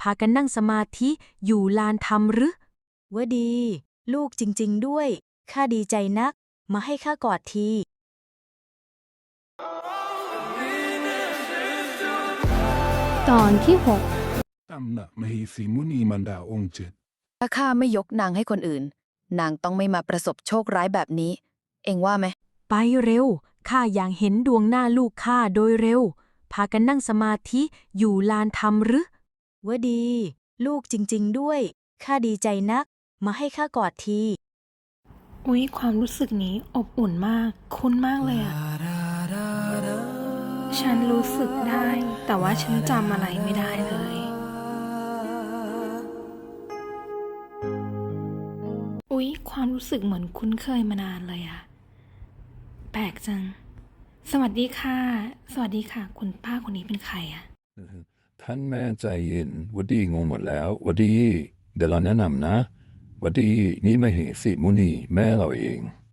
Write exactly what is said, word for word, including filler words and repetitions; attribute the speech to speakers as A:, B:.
A: ากันนั่งสมาธิอยู่ลานธรรมหรือ
B: วดี ลูกจริงๆด้วย ข้าดีใจนัก มาให้ข้ากอดที
C: ตอนที่หก
D: ตำหนักมเหสีมุนีมันดาองค์เจ็ด
E: ถ้าข้าไม่ยกนางให้คนอื่น นางต้องไม่มาประสบโชคร้ายแบบนี้ เอ็งว่าไหม
A: ไปเร็วข้าอยากเห็นดวงหน้าลูกข้าโดยเร็ว พากันนั่งสมาธิอยู่ลานธรรมหรือ
B: วดี ลูกจริงๆด้วย ข้าดีใจนัก มาให้ข้ากอดที
C: อุ๊ยความรู้สึกนี้อบอุ่นมาก คุ้นมากเลยอะฉันรู้สึกได้ แต่ว่าฉันจำอะไรไม่ได้เลย อุ๊ยความรู้สึกเหมือนคุ้นเคยมานานเลยอะแปลกจัง สวัสดีค่ะ สวัสดีค่ะ คุณป้าคนนี้เป็นใครอะ
D: ท่านแม่ใจเย็นวดีงงหมดแล้ววดี เดี๋ยวเราแนะนำนะวดีนี่มเหสีมุนีแม่เราเอง